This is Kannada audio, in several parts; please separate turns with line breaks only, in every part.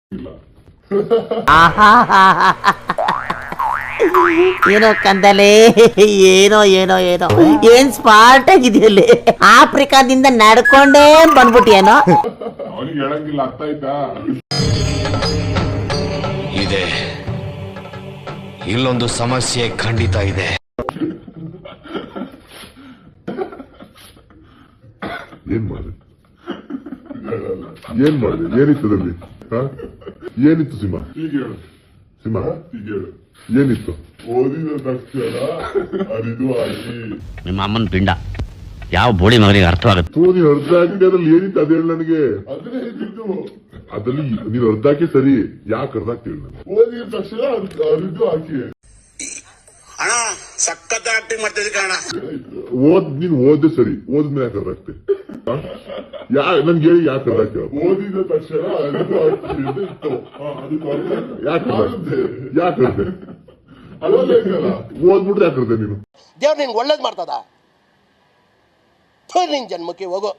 ಏನೋ ಕಂದಲೆ, ಏನೋ ಏನೋ ಏನೋ ಏನ್ ಸ್ಮಾರ್ಟ್ ಆಗಿದೆಯಲ್ಲಿ. ಆಫ್ರಿಕಾದಿಂದ ನಡ್ಕೊಂಡೇ ಬಂದ್ಬಿಟ್ಟಿಯೇನೋ.
ಅವನಿಗೆ ಹೇಳಂಗಿಲ್ಲ, ಅರ್ಥ ಆಯ್ತಾ?
ಇದೆ, ಇಲ್ಲೊಂದು ಸಮಸ್ಯೆ ಖಂಡಿತ ಇದೆ.
ಏನ್ ಮಾಡಿದೆ? ಏನಿತ್ತದಲ್ಲಿ? ಏನಿತ್ತು ಸಿಂಹ? ಸಿಂಹ ಏನಿತ್ತು? ಓದಿದ ತಕ್ಷಣ ಅರಿದು ಆಗಿ
ನಿಮ್ಮ ಅಮ್ಮನ ಪಿಂಡ ಯಾವ ಬೋಳಿ ಮಗನಿಗೆ ಅರ್ಥವಾಗುತ್ತೆ.
ನೀನು ಅರ್ಧ ಹಾಕಿದೆ, ಅದ್ರಲ್ಲಿ ಏನಿತ್ತು ಅದೇಳು ನನಗೆ. ಅದ್ರಲ್ಲಿ ನೀನು ಅರ್ಧ ಹಾಕಿ ಸರಿ, ಯಾಕೆ ಅರ್ಧ ಹಾಕ್ತೀವಿ? ಓದಿದ ತಕ್ಷಣ ಅರಿದು ಹಾಕಿ
ಅಣ್ಣ ಸಖತ್ ಆಕ್ಟಿಂಗ್ ಮಾಡ್ತಿದ್ದೆ ಕಣ.
ನೀನು ಓದ್ದೆ ಸರಿ, ಓದ್ಮೇಲೆ ಯಾಕೆ ಅರ್ಧ ಹಾಕ್ತಿ? ನನ್ಗೆ ಹೇಳಿ ಯಾಕೆ ಅರ್ಧ ಹಾಕ್ತೀವ? ಓದಿದ ತಕ್ಷಣ ಅರಿದು ಹಾಕಿ ಯಾಕೆ ಓದ್ಬಿಟ್ರೆ ಯಾಕರ್ದೆ ನೀನು?
ದೇವ್ರು ನಿನ್ಗೆ ಒಳ್ಳೇದ್ ಮಾಡ್ತದ, ನಿನ್ ಜನ್ಮಕ್ಕೆ ಹೋಗೋ.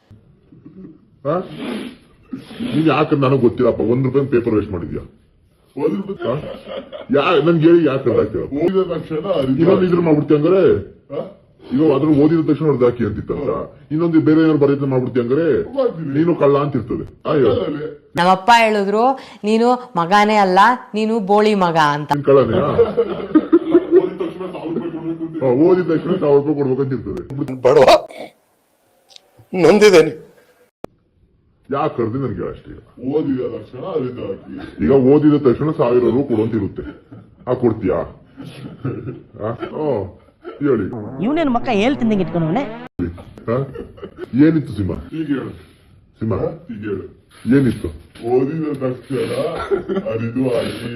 ನೀನ್ ಯಾಕೆ ನನಗೆ ಗೊತ್ತಿಲ್ಲಪ್ಪ. ₹1 ಪೇಪರ್ ವೇಸ್ಟ್ ಮಾಡಿದ್ಯಾ? ನನ್ಗೆ ಹೇಳಿ ಯಾಕೆ ಅರ್ಧ ಹಾಕ್ತೀವ? ಓದಿದ ತಕ್ಷಣ ಇನ್ನೊಂದು ಇದ್ರ ಮಾಡ್ಬಿಡ್ತಿ ಹಂಗಾರೆ. ಈಗ ಅದ್ರ ಓದಿದ ತಕ್ಷಣ ಅರ್ಧ ಹಾಕಿ ಅಂತಿತ್ತಂತ, ಇನ್ನೊಂದು ಬೇರೆ ಏನಾದ್ರು ಬರೀತ ಮಾಡ್ಬಿಡ್ತಿ ಹಂಗಾರೆ ನೀನು ಕಳ್ಳ ಅಂತಿರ್ತದೆ.
ನಮ್ಮಪ್ಪ ಹೇಳಿದ್ರು, ನೀನು ಮಗನೇ ಅಲ್ಲ, ನೀನು ಬೋಳಿ ಮಗ ಅಂತ.
ಕಳ್ಳನೇ? ಓದಿದ ತಕ್ಷಣ ₹1000 ಕೊಡ್ಬೇಕಂತಿರ್ತದೆ.
ಬಡವ ನೊಂದಿದ್ದೇನೆ.
ಯಾಕೆ ಕರ್ದಿ ನನ್ಗೆ ಅಷ್ಟೇ. ಓದಿದ ತಕ್ಷಣ ಅರಿದು ಹಾಕಿ. ಈಗ ಓದಿದ ತಕ್ಷಣ ₹1000 ಕೊಡುವಂತಿರುತ್ತೆ. ಕೊಡ್ತೀಯಾ? ಹೇಳಿ.
ಇವನೇನು ಮಕ್ಕ ಹೇಳ್ತಿದ್ದಂಗೆ ಇಟ್ಕೊಂಡವನೆ.
ಏನಿತ್ತು ಸಿಂಹ? ಸಿಂಹ ಏನಿತ್ತು? ಓದಿದ ತಕ್ಷಣ ಅರಿದು ಹಾಕಿ.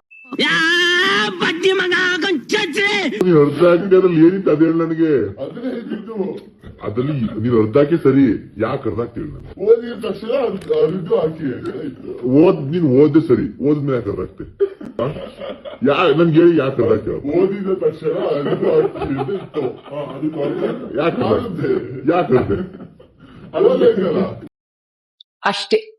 ನೀನು ಅರ್ಧ ಹಾಕಿ, ಅದ್ರಲ್ಲಿ ಏನಿತ್ತು ಅದೇಳು ನನಗೆ. ಅದ್ರಲ್ಲಿ ನೀನು ಅರ್ಧ ಹಾಕಿ ಸರಿ, ಯಾಕೆ ಅರ್ಧ ಹಾಕ್ತೀವಿ? ಓದಿದ ತಕ್ಷಣ ಅರಿದು ಹಾಕಿ. ನೀನು ಓದ್ದೆ ಸರಿ, ಓದ್ಮೇಲೆ ಯಾಕೆ ಅರ್ಧ ಹಾಕ್ತಿ? ನನ್ಗೆ ಹೇಳಿ ಯಾಕೆ ಅರ್ಧ ಹಾಕ್ತೀವ? ಓದಿದ ತಕ್ಷಣ ಅರಿದು ಹಾಕಿ ಯಾಕೆ ಅಷ್ಟೇ.